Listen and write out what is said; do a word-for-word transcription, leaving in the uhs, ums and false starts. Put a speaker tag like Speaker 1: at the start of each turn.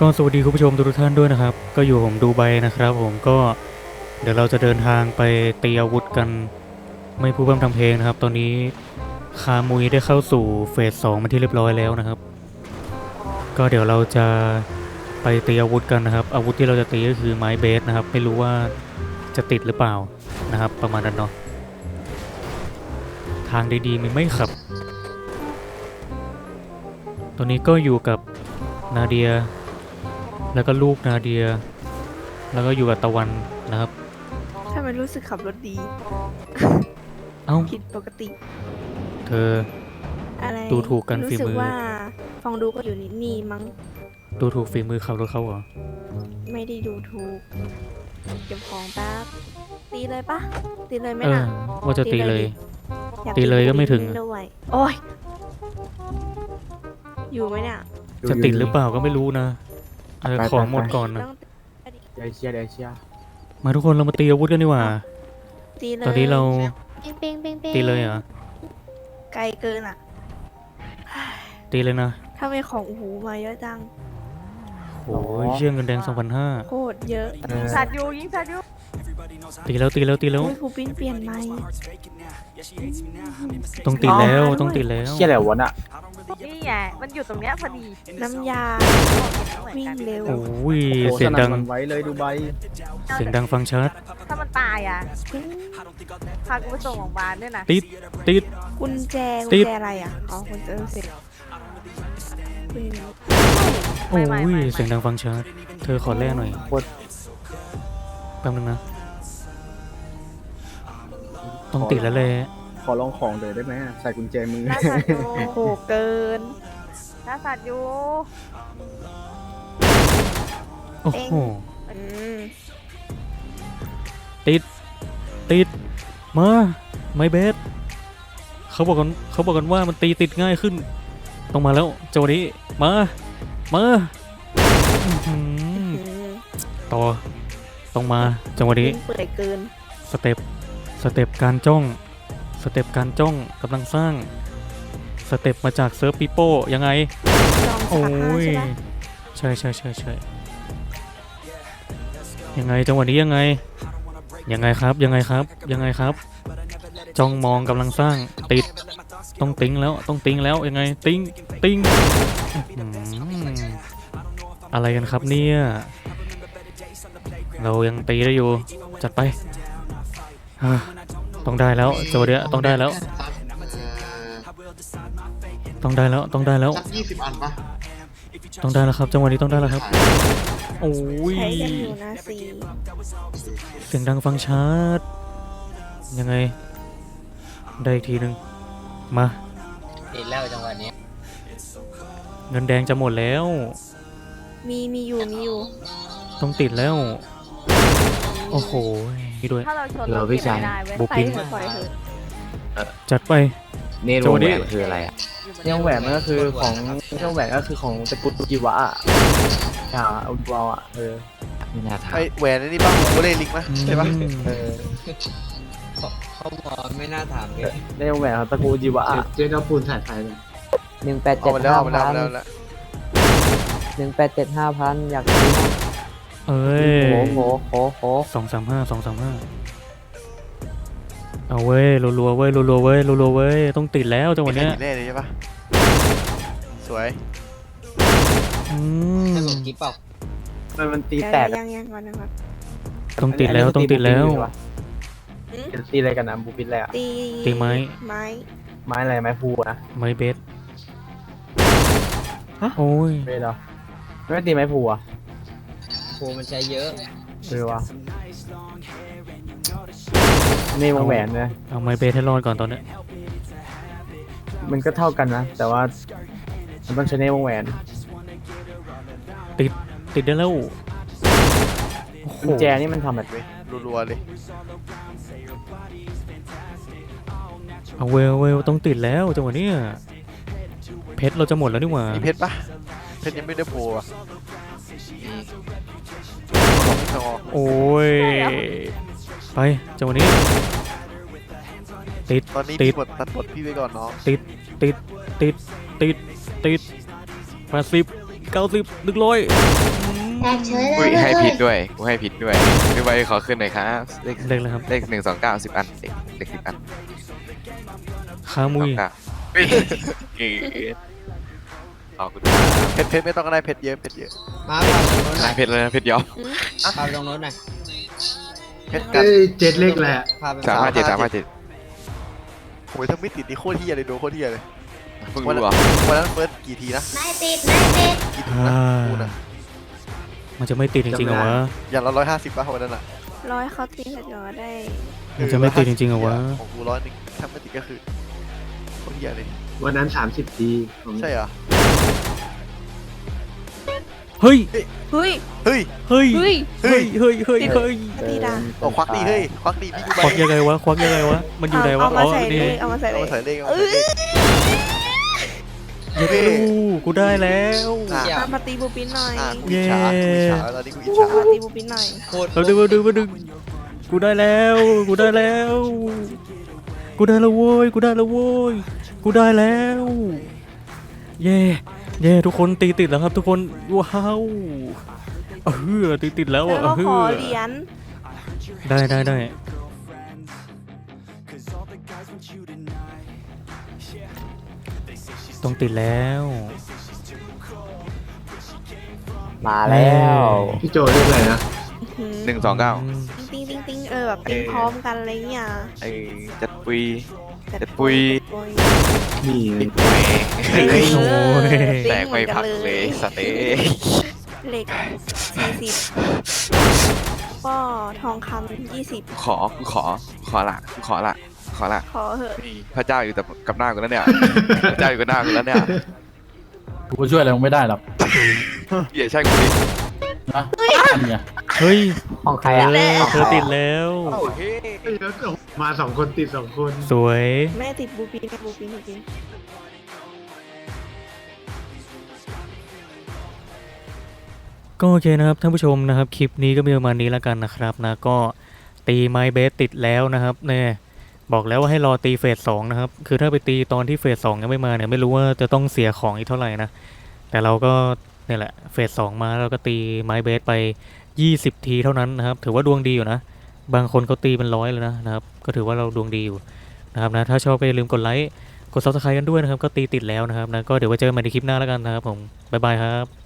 Speaker 1: ก็สวัสดีคุณผู้ชมทุกท่านด้วยนะครับก็อยู่ผมดูไบนะครับผมก็เดี๋ยวเราจะเดินทางไปตีอาวุธกันไม่พูดพร่ำทำเพลงนะครับตอนนี้คามุยได้เข้าสู่เฟสสองมาที่เรียบร้อยแล้วนะครับก็เดี๋ยวเราจะไปตีอาวุธกันนะครับอาวุธที่เราจะตีก็คือไม้เบสนะครับไม่รู้ว่าจะติดหรือเปล่านะครับประมาณนั้นเนาะทางดีๆมีไม่ขับตอนนี้ก็อยู่กับนาเดียแล้วก็ลูกนาเดียแล้วก็อยู่กับตะวันนะครับ
Speaker 2: ทำไมรู้สึกขับรถดี
Speaker 1: เอ้า
Speaker 2: ผิดปกติ
Speaker 1: เธอ
Speaker 2: อะไร
Speaker 1: ดูถูกกันฝีมือ
Speaker 2: รู้สึกว่าฟองดูก็อยู่นี่นี่มั้ง
Speaker 1: ดูถูกฝีมือขับรถเขาเหรอ
Speaker 2: ไม่ได้ดูถูกเก็บของแป๊บตีเลยปะตีเลยไหม
Speaker 1: เออ
Speaker 2: น่ะ
Speaker 1: ว่าจะตีเลย
Speaker 2: อยา
Speaker 1: ตีเลยก็ไม่ถึง
Speaker 2: ด้วยโอ้ยอยู่ไหมเนี่ย
Speaker 1: จะติดหรือเปล่าก็ไม่รู้นะเออ
Speaker 3: ไป
Speaker 1: ของ
Speaker 3: ไป
Speaker 1: หมดก่อนนะ
Speaker 2: ต้อง
Speaker 3: เดี๋ยวเชียร์เดี๋ยวเชียร์
Speaker 1: มาทุกคนเรามาตีอาวุธกันดีกว่า
Speaker 2: ตีเลย
Speaker 1: ตอนนี้เรา
Speaker 2: เป้งเป้งเป้งเป้ง
Speaker 1: ตีเลยเหรอ
Speaker 2: ไกลเกินอ่ะ
Speaker 1: ตีเลยนะ
Speaker 2: ถ้าไมของโอ้โหมาเยอะจัง
Speaker 1: โอ้ยเชื่อเงินแดงสองพันห้า
Speaker 2: โคตรเยอะ
Speaker 3: เออ
Speaker 2: สัตว์อยู่ยิงสัตว์อยู่
Speaker 1: ตีแล้วตีแล้วตีแล้ว
Speaker 2: อุ้ยครูปิ้นเปลี่ยนไหม
Speaker 1: ต้องตีแล้วต้องตีแล้ว
Speaker 3: เชียร์อะไรวะน่ะ
Speaker 4: นี่ไงมันอยู่ตรงเนี้ยพอดี
Speaker 2: น้ำยาวิ่งเร็ว
Speaker 1: โอ้ย
Speaker 3: โอ้โห
Speaker 1: เสียงดัง
Speaker 3: สนั่นหวั่นไหวเลยดูใบ
Speaker 1: เสียงดังฟังชัด
Speaker 4: ถ้ามันตายอ่ะพากูไปส่งโรงพยาบาลด้วยนะ
Speaker 1: ติดติด
Speaker 2: กุญแจ
Speaker 1: ติ
Speaker 2: กุญ
Speaker 1: ด
Speaker 2: แจอะไรอ่ะอ๋อกุญแจเสร็จคุณ
Speaker 1: โอ้ยเสียงดังฟังชัดเธอขอแลกหน่อย
Speaker 3: โคตร
Speaker 1: แป๊บนึงนะต้องติดแล้วเลย
Speaker 3: ขอลองของเดี๋ยวได้ไหมใส่กุญแจมือ
Speaker 4: น่าสัตว์อยู่
Speaker 2: โอ้โหเกิน
Speaker 4: น่าสัตว์อยู่
Speaker 1: โอ้โห
Speaker 2: อืม
Speaker 1: ติดติดมาไม่เบสเขาบอกกันเขาบอกกันว่ามันตีติดง่ายขึ้นต้องมาแล้วจังหวะนี้มามาอื้อหือ
Speaker 2: อืม
Speaker 1: ต่อต้องมาจังหวะนี้
Speaker 2: วิ่งเปื่อยเกิน
Speaker 1: สเต็ปสเต็ปการจ้องสเต็ปการจ้องกำลังสร้างสเต็ปมาจากเซิร์ฟปีโป้ยังไง
Speaker 2: ลองส
Speaker 1: โอ้
Speaker 2: ลับห้าย ใช่ไหม
Speaker 1: ใช่ใช่ใช่ใช่ยังไงจังหวะนี้ยังไงยังไงครับยังไงครับยังไงครับจ้องมองกำลังสร้างติดต้องติ้งแล้วต้องติ้งแล้วยังไงติ้งติ้งอื้อหืออะไรกันครับเนี่ยเรายังตีได้อยู่จัดไปอ่ะต้องได้แล้วโจเดียต้องได้แล้วต้องได้แล้วต้องได้แล้ว
Speaker 5: สักยี่สิบอันปะ
Speaker 1: ต้องได้แล้วครับจังหวะนี้ต้องได้แล้วครับโอ้ย
Speaker 2: ใช้กันอยู่นะสี
Speaker 1: เสียงดังฟังชัดยังไงได้อีกทีหนึ่งมา
Speaker 5: ติดแล้วจังหวะนี้
Speaker 1: เงินแดงจะหมดแล้ว
Speaker 2: มีมีอยู่มีอยู่
Speaker 1: ต้องติดแล้วโอ้โหนี่ด้วย
Speaker 4: ถ้าเราชน
Speaker 3: เรา
Speaker 4: เรา
Speaker 3: พี่
Speaker 4: พี่
Speaker 3: ชาย
Speaker 4: ไม่ได้เว้ย
Speaker 1: บุ
Speaker 2: ไป
Speaker 1: ปิ้น
Speaker 2: เถอะปล่อยเถอะ
Speaker 1: จัดไป
Speaker 3: เนโร
Speaker 1: โจ
Speaker 3: แห
Speaker 1: ดี้
Speaker 3: วนคืออะไรอ่ะเนโรแหวนมันก็คือของเนโรแหวนก็คือของตระกูลจิวะอ่ะอ่าอุดวาอ่ะเออไม่น่าถาม
Speaker 6: ไอแหวนอันนี้บ้างโอเล่ลิงไหมใช่ปะ
Speaker 1: อืม
Speaker 3: เออ
Speaker 5: เขาบอกไม่น่าถามเลย
Speaker 3: เนโรแหวนของตระกูลจิวะอ่ะ
Speaker 7: เจ๊ดาวปูนถ่ายไฟเลย
Speaker 8: หนึ่งแปด
Speaker 6: เอา
Speaker 8: เจ็ด
Speaker 6: มาแล้ว
Speaker 8: ห้า
Speaker 6: เอามาแล้ว
Speaker 8: พั
Speaker 6: เอา
Speaker 8: น
Speaker 6: มาแล้วเอามาแล้ว
Speaker 8: หนึ่งแปดเจ็ดห้าพันอยากซื้อ
Speaker 1: เอ้ย
Speaker 8: โหโหโหโห
Speaker 1: สองสามห้าสองสามห้าเอาเว้ยรัวๆเว้ยรัวๆเว้ยรัวๆเว้ยต้องติดแล้วจังหวะ
Speaker 6: มี
Speaker 1: เนี้ย
Speaker 6: แค่แน่เลยใช่ปะสวย
Speaker 1: อืม
Speaker 5: สรุปกิ๊บเปล่า
Speaker 3: มันมันตี
Speaker 2: เดี๋ยว
Speaker 3: แตก
Speaker 2: ยังยังก่อนนะครับ
Speaker 1: ต้องติดแล้วต้องติดแล้ว
Speaker 2: อืม
Speaker 3: ตีอะไรกันนะบูปิดแล้ว
Speaker 2: ตี
Speaker 1: ตีไม้
Speaker 2: ไม้
Speaker 3: ไม้อะไรไม้พูนะ
Speaker 1: ไม้เบสโอ้ย
Speaker 3: ไม่เหรอไม่ตีไม้พูอ่ะ
Speaker 5: โฟมันใช้เยอะ
Speaker 3: เออวะนี่วงแหวนนะ
Speaker 1: เอาไม้เบสให้รอดก่อนตอนเนี้ย
Speaker 3: มันก็เท่ากันนะ แต่ว่ามันต้องใช้ในวงแหวน
Speaker 1: ติดติดได้แล้วโอ้โห
Speaker 3: กุญแจนี่มันทำแบบ
Speaker 6: เว้ยรัวๆเลย
Speaker 1: เอาเวลเวลต้องติดแล้วจังหวะเนี้ยเพชรเราจะหมดแล้วนี่หว่า
Speaker 6: มีเพชรปะเพชรยังไม่ได้โผล่อะของพี่ทอง
Speaker 1: โอ้ยไปจังหวะนี้ติด
Speaker 6: ตอนนี้
Speaker 1: ติ
Speaker 6: มี
Speaker 1: ด
Speaker 6: บทตัดบทพี่ไว้ก่อนน้อง
Speaker 1: ติดติดติดติดติดแปดสิบเก้าสิบหนึ่งร้อย
Speaker 7: แตกเฉยเล
Speaker 9: อุ้
Speaker 7: ย
Speaker 9: ยให้
Speaker 7: เว้
Speaker 9: ผิ
Speaker 7: ย
Speaker 9: ดด้วยกูให้ผิดด้วยพี่ใบขอขึ้นหน่อยครับเลข
Speaker 1: เลขเลยครับ
Speaker 9: เลขหนึ่งสองเก้าสิบอันเลขเลขสิบอัน
Speaker 1: ขามุย
Speaker 9: สองเก้าเฮ้ยเก๋ขอบคุณ
Speaker 6: เพชรเพชรไม่ต้องก็ได้เพชรเยอะเพชรเยอะ
Speaker 5: มาพาไปตรงโน้นหน่
Speaker 9: นา
Speaker 5: อย
Speaker 9: ยเพชรเลยนะเพชรยอม
Speaker 5: พาไปตรงโน้นหน่อย
Speaker 6: เพชรกัน
Speaker 3: เจ็ดเลขแหละ
Speaker 5: พาไป
Speaker 9: สามห้าเจ็ดสามห้าเจ็ด
Speaker 6: โอ้ยถ้าไม่ติดนี่โคตรเฮียเลยโดนโคตรเฮียเลย
Speaker 9: เพิ่งรู้เหรอ
Speaker 6: วันนั้นเฟิร์สกี่ทีนะ
Speaker 7: ไม่ติดไม่ติด
Speaker 6: กี่ทีนะกูนะ
Speaker 1: มันจะไม่ติดจริงๆเหรอวะ
Speaker 6: อย่างละร้อยห้าสิบป่ะวันนั้นอ่ะ
Speaker 2: ร้อยเขาตีเสร็จก็ได้
Speaker 1: มันจะไม่ติดจริงๆเหรอวะ
Speaker 6: ของกูร้อยหนึ่งถ้าไม่ติดก็คือโคตรเฮียเลย
Speaker 3: วันนั้นสามสิบทีผม
Speaker 6: ใช่เหรอ
Speaker 1: เฮ้ย
Speaker 2: เฮ้ย
Speaker 6: เฮ้ย
Speaker 1: เฮ้ย
Speaker 2: เฮ้ย
Speaker 1: เฮ้ยเฮ้ยเฮ้ยเฮ้ย
Speaker 2: ตีดา
Speaker 6: เอาควักดีเฮ้ยควักดีพี่กู
Speaker 1: ควักยังไงวะควักยังไงวะมันอยู่ไหนวะ
Speaker 2: เอามาใส่
Speaker 1: นี่
Speaker 2: เลขเอามาใส่
Speaker 6: เอา
Speaker 2: เล
Speaker 6: มา
Speaker 2: ข
Speaker 6: ใส่เลขเอา
Speaker 2: เอ
Speaker 6: มาใส่
Speaker 2: อ
Speaker 6: เลข
Speaker 1: เย้ดูกูได้แล้ว
Speaker 6: อ่ะ
Speaker 2: เอามาตีบูปินหน่อย
Speaker 6: อ่ะกูอิจฉากูอิจฉาแล้วตอนนี้กูอิจฉา
Speaker 2: เอามาตีบูปินหน่อย
Speaker 5: โคตร
Speaker 1: เราดูมาดูมาดูกูได้แล้วกูได้แล้วกูได้แล้วโว้ยกูได้แล้วโว้ยกูได้แล้วเย่เย่ทุกคนตีติดแล้วครับทุกคนว้าวเออตีติดแล้ว
Speaker 2: แล้ว
Speaker 1: อ่ะ
Speaker 2: ก็
Speaker 1: เอ
Speaker 2: ขอ
Speaker 1: อ
Speaker 2: เหรียญ
Speaker 1: ได้ได้ได้ต้องติดแล้ว
Speaker 8: มาแล้ว
Speaker 3: พี่โจเลขอะไรนะ
Speaker 9: หนึ่งสองเก้า
Speaker 2: ติ้งติ้งติ้งเออแบบติ้งพร้อมกันอะไรเงี้ย
Speaker 9: ไอ้จัดปุย จัดปุย
Speaker 2: ปุย
Speaker 3: นี่ไง
Speaker 9: ปิดแม่
Speaker 2: เออ
Speaker 1: โอ้ย
Speaker 9: แตกไม่พักเลยสเต็ก
Speaker 2: เหล็กสี่สิบก็ทองคำยี่สิบ
Speaker 9: ขอกูขอขอละกูขอละขอละ
Speaker 2: ขอเหอะ
Speaker 9: นี่พระเจ้าอยู่แต่กับหน้ากูแล้วเนี่ยพระเจ้าอยู่กับหน้ากูแล้วเนี่ย
Speaker 10: กูช่วยอะไรมึงไม่ได้หรอก
Speaker 9: อย่าใช่กูดิ
Speaker 10: นะอันเนี่ย
Speaker 1: เฮ้ย
Speaker 8: ของใคร
Speaker 1: เอ
Speaker 8: อ่ะ
Speaker 1: อเธอติดแล้ว
Speaker 9: โอเค
Speaker 3: มาสองคนติดสองคน
Speaker 1: สวย
Speaker 2: แม่ติดบูปินบูปินบูปิน
Speaker 1: ก็โอเคนะครับท่านผู้ชมนะครับคลิปนี้ก็มีประมาณนี้แล้วกันนะครับนะก็ตีไม้เบสติดแล้วนะครับเนี่ยบอกแล้วว่าให้รอตีเฟสสองนะครับคือถ้าไปตีตอนที่เฟสสองยังไม่มาเนี่ยไม่รู้ว่าจะต้องเสียของอีกเท่าไหร่นะแต่เราก็เนี่ยแหละเฟสสองมาเราก็ตีไม้เบสไปยี่สิบทีเท่านั้นนะครับถือว่าดวงดีอยู่นะบางคนเขาตีเป็นร้อยเลยนะนะครับก็ถือว่าเราดวงดีอยู่นะครับนะถ้าชอบก็อย่าลืมกดไลค์กดซับสไครต์กันด้วยนะครับก็ตีติดแล้วนะครับนะก็เดี๋ยวไว้เจอกันใหม่ในคลิปหน้าแล้วกันนะครับผมบ๊ายบายครับ